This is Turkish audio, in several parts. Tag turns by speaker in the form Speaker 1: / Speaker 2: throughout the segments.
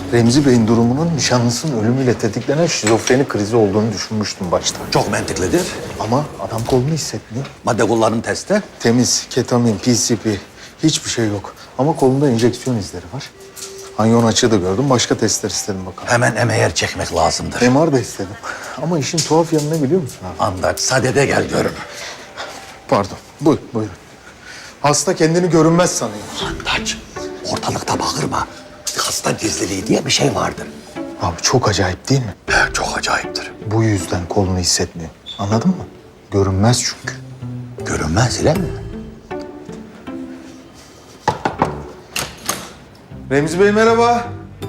Speaker 1: Remzi Bey'in durumunun nişanlısının ölümüyle tetiklenen şizofreni krizi olduğunu düşünmüştüm başta.
Speaker 2: Çok mantıklıdır.
Speaker 1: Ama adam kolunu hissetmiyor.
Speaker 2: Madde kullanım testi.
Speaker 1: Temiz, ketamin, PCP hiçbir şey yok. Ama kolunda enjeksiyon izleri var. Anyon açığı da gördüm. Başka testler istedim bakalım.
Speaker 2: Hemen MR çekmek lazımdır.
Speaker 1: MR da istedim. Ama işin tuhaf yanı ne biliyor musun abi?
Speaker 2: Andak, sadede gel görün.
Speaker 1: Pardon. Buyurun. Hasta kendini görünmez sanıyor.
Speaker 2: Andaç, ortalıkta bağırma. Hasta gizliliği diye bir şey vardır.
Speaker 1: Abi çok acayip değil mi?
Speaker 2: Çok acayiptir.
Speaker 1: Bu yüzden kolunu hissetmiyor. Anladın mı? Görünmez çünkü.
Speaker 2: Görünmez ile mi?
Speaker 1: Remzi Bey merhaba.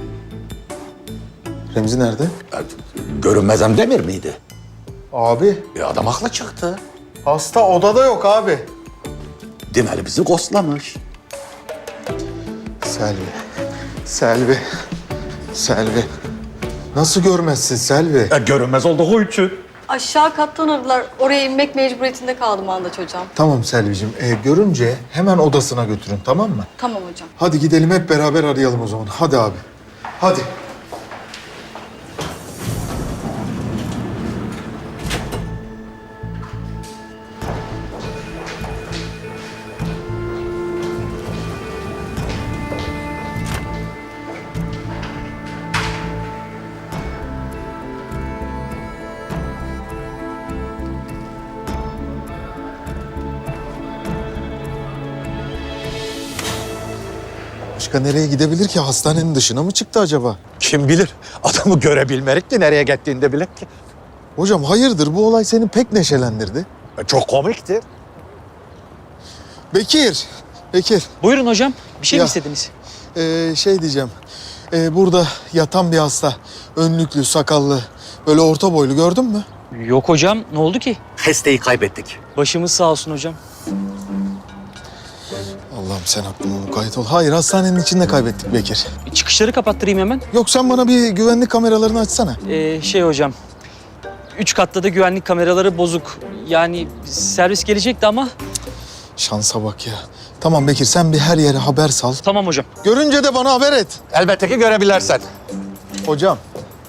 Speaker 1: Remzi nerede?
Speaker 2: Görünmezem demir miydi?
Speaker 1: Abi.
Speaker 2: Adam haklı çıktı.
Speaker 1: Hasta odada yok abi.
Speaker 2: Demeli bizi ghostlamış.
Speaker 1: Selvi. Nasıl görmezsin Selvi?
Speaker 2: Görünmez olduğu için.
Speaker 3: Aşağı kattan aradılar. Oraya inmek mecburiyetinde kaldım Andaç hocam.
Speaker 1: Tamam Selvi'cim. Görünce hemen odasına götürün tamam mı?
Speaker 3: Tamam hocam.
Speaker 1: Hadi gidelim hep beraber arayalım o zaman. Hadi abi. Hadi. Başka nereye gidebilir ki? Hastanenin dışına mı çıktı acaba?
Speaker 2: Kim bilir? Adamı görebilmerik de nereye gittiğini de bilek ki.
Speaker 1: Hocam hayırdır? Bu olay seni pek neşelendirdi.
Speaker 2: Çok komikti.
Speaker 1: Bekir.
Speaker 4: Buyurun hocam. Bir şey
Speaker 1: Ya.
Speaker 4: mi istediniz?
Speaker 1: Şey diyeceğim. Burada yatan bir hasta. Önlüklü, sakallı, böyle orta boylu gördün mü?
Speaker 4: Yok hocam. Ne oldu ki?
Speaker 2: Hesteyi kaybettik.
Speaker 4: Başımız sağ olsun hocam.
Speaker 1: Allah'ım sen aklıma mukayyet ol. Hayır, hastanenin içinde kaybettik Bekir.
Speaker 4: Çıkışları kapattırayım hemen.
Speaker 1: Yok sen bana bir güvenlik kameralarını açsana.
Speaker 4: Hocam. 3 katta da güvenlik kameraları bozuk. Yani servis gelecekti ama...
Speaker 1: Şansa bak ya. Tamam Bekir sen bir her yere haber sal.
Speaker 4: Tamam hocam.
Speaker 1: Görünce de bana haber et.
Speaker 2: Elbette ki görebilirsen.
Speaker 1: Hocam.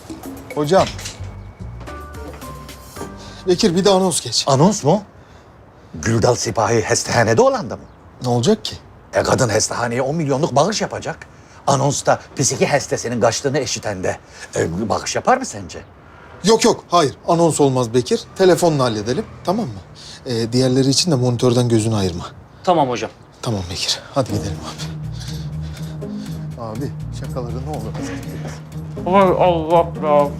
Speaker 1: Bekir bir de anons geç.
Speaker 2: Anons mu? Güldal Sipahi hestehanede olan da mı?
Speaker 1: Ne olacak ki?
Speaker 2: Kadın hestehaneye 10 milyonluk bağış yapacak. Anonsta psiki hastesinin kaçtığını eşiten de bağış yapar mı sence?
Speaker 1: Yok hayır anons olmaz Bekir. Telefonla halledelim tamam mı? Diğerleri için de monitörden gözünü ayırma.
Speaker 4: Tamam hocam.
Speaker 1: Tamam Bekir hadi gidelim abi. Abi şakaları ne olur az etmeyiz.
Speaker 4: Ay Allah ya.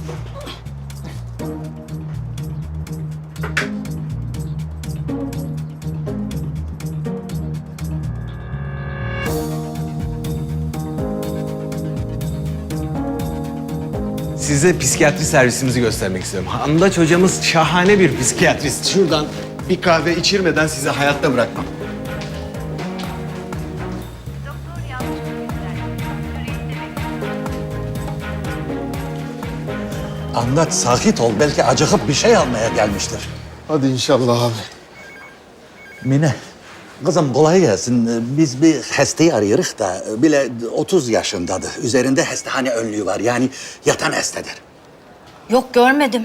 Speaker 5: Size psikiyatri servisimizi göstermek istiyorum. Andaç hocamız şahane bir psikiyatrist. Şuradan bir kahve içirmeden sizi hayatta bırakmam.
Speaker 2: Anlat, sakit ol. Belki acıkıp bir şey almaya gelmiştir.
Speaker 1: Hadi inşallah abi.
Speaker 2: Mine, kızım kolay gelsin. Biz bir hastayı arıyoruz da bile 30 yaşındadır. Üzerinde hastahane önlüğü var. Yani yatan hastadır.
Speaker 6: Yok görmedim.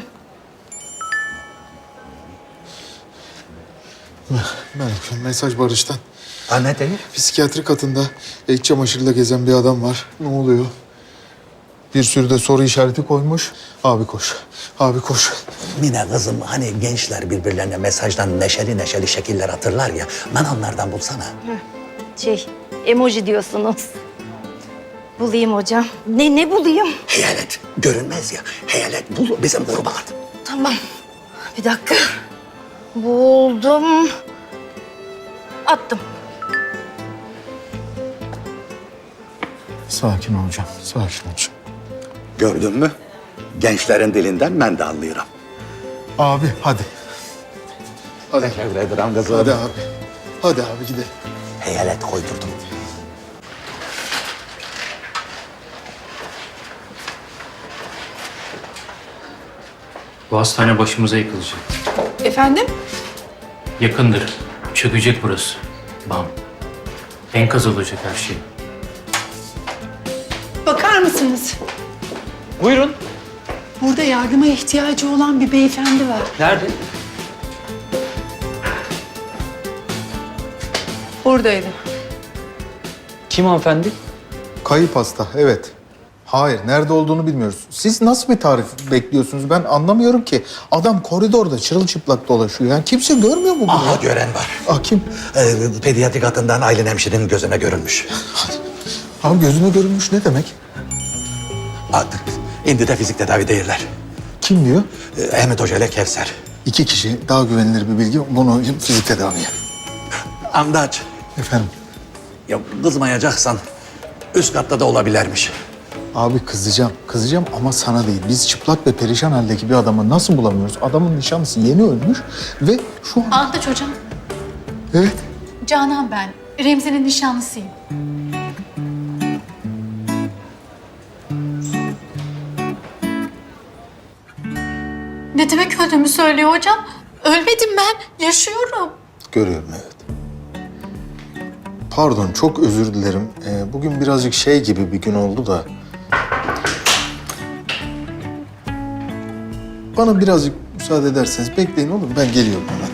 Speaker 1: Mesaj Barış'tan.
Speaker 2: Ha ne değil?
Speaker 1: Psikiyatri katında iç çamaşırıyla gezen bir adam var. Ne oluyor? Bir sürü de soru işareti koymuş. Abi koş.
Speaker 2: Mine kızım hani gençler birbirlerine mesajdan neşeli neşeli şekiller atırlar ya. Bana onlardan bulsana.
Speaker 6: Emoji diyorsunuz. Bulayım hocam. Ne bulayım?
Speaker 2: Hayalet görünmez ya. Hayalet bul bizim gruba at.
Speaker 6: Tamam. Bir dakika. Buldum. Attım.
Speaker 1: Sakin ol hocam.
Speaker 2: Gördün mü? Gençlerin dilinden ben de anlıyorum.
Speaker 1: Abi hadi.
Speaker 2: Teşekkür ederim kızım.
Speaker 1: Hadi abi gidelim.
Speaker 2: Hayalet koydurdum.
Speaker 7: Bu hastane başımıza yıkılacak.
Speaker 8: Efendim?
Speaker 7: Yakındır. Çökecek burası. Bam. Enkaz olacak her şey.
Speaker 8: Bakar mısın? mısınız?
Speaker 4: Buyurun.
Speaker 8: Burada yardıma ihtiyacı olan bir beyefendi var.
Speaker 4: Nerede?
Speaker 8: Buradaydı.
Speaker 4: Kim hanımefendi?
Speaker 1: Kayıp hasta, evet. Hayır, nerede olduğunu bilmiyoruz. Siz nasıl bir tarif bekliyorsunuz? Ben anlamıyorum ki. Adam koridorda çırılçıplak dolaşıyor. Yani kimse görmüyor mu bunu?
Speaker 2: Aha
Speaker 1: ya?
Speaker 2: gören var.
Speaker 1: Ah kim?
Speaker 2: Pediatrik hattından Aylin hemşirenin gözüne görünmüş.
Speaker 1: Abi gözüme görünmüş ne demek?
Speaker 2: Artık indi de fizik tedavi değiller.
Speaker 1: Kim diyor?
Speaker 2: Ahmet Hoca ile Kevser.
Speaker 1: 2 kişi, daha güvenilir bir bilgi. Bunu fizik tedaviye.
Speaker 2: Andaç.
Speaker 1: Efendim?
Speaker 2: Ya kızmayacaksan üst katta da olabilirmiş.
Speaker 1: Abi kızacağım ama sana değil. Biz çıplak ve perişan haldeki bir adamı nasıl bulamıyoruz? Adamın nişanlısı yeni ölmüş ve şu an...
Speaker 9: Antaç hocam,
Speaker 1: Evet.
Speaker 9: Canan ben. Remzi'nin nişanlısıyım. Ne demek öldüğümü söylüyor hocam? Ölmedim ben, yaşıyorum.
Speaker 1: Görüyorum, evet. Pardon, çok özür dilerim. Bugün birazcık şey gibi bir gün oldu da... Bana birazcık müsaade ederseniz bekleyin olur mu? Ben geliyorum hemen.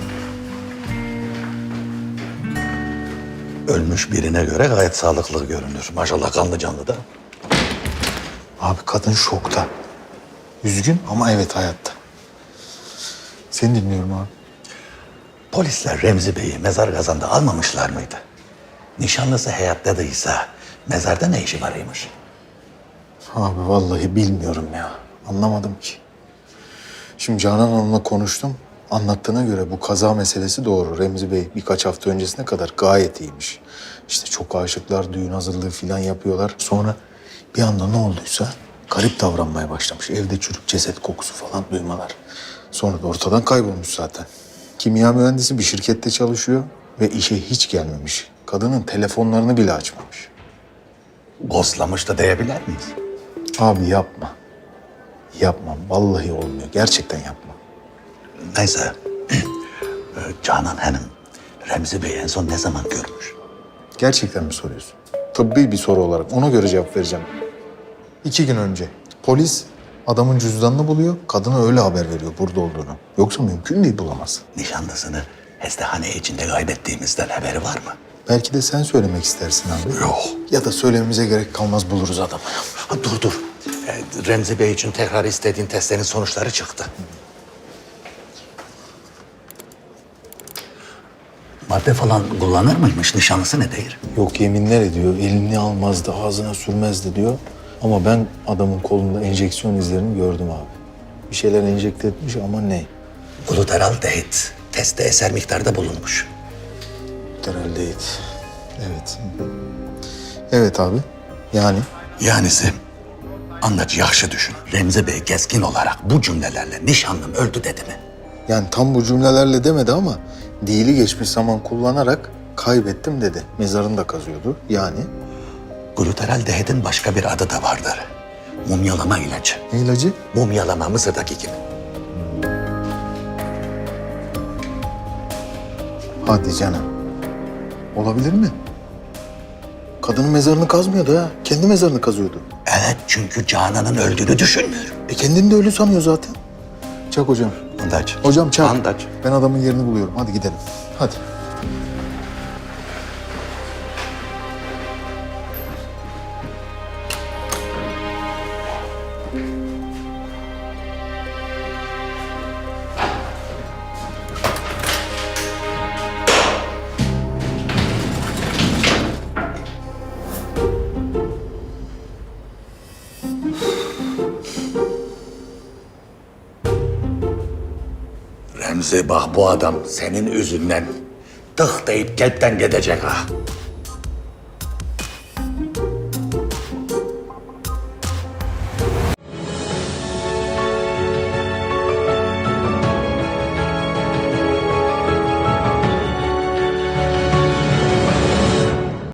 Speaker 2: Ölmüş birine göre gayet sağlıklı görünür. Maşallah kanlı canlı da.
Speaker 1: Abi kadın şokta. Üzgün ama evet hayatta. Seni dinliyorum abi.
Speaker 2: Polisler Remzi Bey'i mezar kazanda almamışlar mıydı? Nişanlısı hayattadıysa mezarda ne işi varıymış?
Speaker 1: Abi vallahi bilmiyorum ya. Anlamadım ki. Şimdi Canan Hanım'la konuştum. Anlattığına göre bu kaza meselesi doğru. Remzi Bey birkaç hafta öncesine kadar gayet iyiymiş. İşte çok aşıklar, düğün hazırlığı falan yapıyorlar. Sonra bir anda ne olduysa garip davranmaya başlamış. Evde çürük ceset kokusu falan duymalar. Sonra da ortadan kaybolmuş zaten. Kimya mühendisi bir şirkette çalışıyor ve işe hiç gelmemiş. Kadının telefonlarını bile açmamış.
Speaker 2: Ghostlamış da diyebilir miyiz?
Speaker 1: Abi yapma. Yapma. Vallahi olmuyor. Gerçekten yapma.
Speaker 2: Neyse. Canan Hanım, Remzi Bey'i en son ne zaman görmüş?
Speaker 1: Gerçekten mi soruyorsun? Tıbbi bir soru olarak. Ona göre cevap vereceğim. 2 gün önce polis adamın cüzdanını buluyor. Kadına öyle haber veriyor burada olduğunu. Yoksa mümkün değil bulamaz.
Speaker 2: Nişanlısını hastane içinde kaybettiğimizden haberi var mı?
Speaker 1: Belki de sen söylemek istersin abi.
Speaker 2: Yok.
Speaker 1: Ya da söylememize gerek kalmaz buluruz adamı.
Speaker 2: Ha, dur. Remzi Bey için tekrar istediğin testlerin sonuçları çıktı. Madde falan kullanır mıymış? Nişanlısı ne değil?
Speaker 1: Yok yeminler ediyor. Elini almazdı, ağzına sürmezdi diyor. Ama ben adamın kolunda enjeksiyon izlerini gördüm abi. Bir şeyler enjekte etmiş ama ne?
Speaker 2: Glutaraldehit testte eser miktarda bulunmuş.
Speaker 1: Herhalde değil. Evet. Evet abi. Yani?
Speaker 2: Yanisi anlaç yaxşı düşün. Remzi Bey keskin olarak bu cümlelerle nişanlım öldü dedi mi?
Speaker 1: Yani tam bu cümlelerle demedi ama dili geçmiş zaman kullanarak kaybettim dedi. Mezarını da kazıyordu. Yani?
Speaker 2: Glutaraldehit'in başka bir adı da vardır. Mumyalama ilacı.
Speaker 1: Ne ilacı?
Speaker 2: Mumyalama Mısır'daki gibi.
Speaker 1: Hadi canım. Olabilir mi? Kadının mezarını kazmıyordu ha. Kendi mezarını kazıyordu.
Speaker 2: Evet çünkü Canan'ın öldüğünü düşünmüyor.
Speaker 1: Kendini de ölü sanıyor zaten. Çak hocam.
Speaker 2: Andaç.
Speaker 1: Hocam çak.
Speaker 2: Andaç.
Speaker 1: Ben adamın yerini buluyorum. Hadi gidelim. Hadi.
Speaker 2: Remzi bak bu adam senin yüzünden tık deyip kalpten gidecek ha.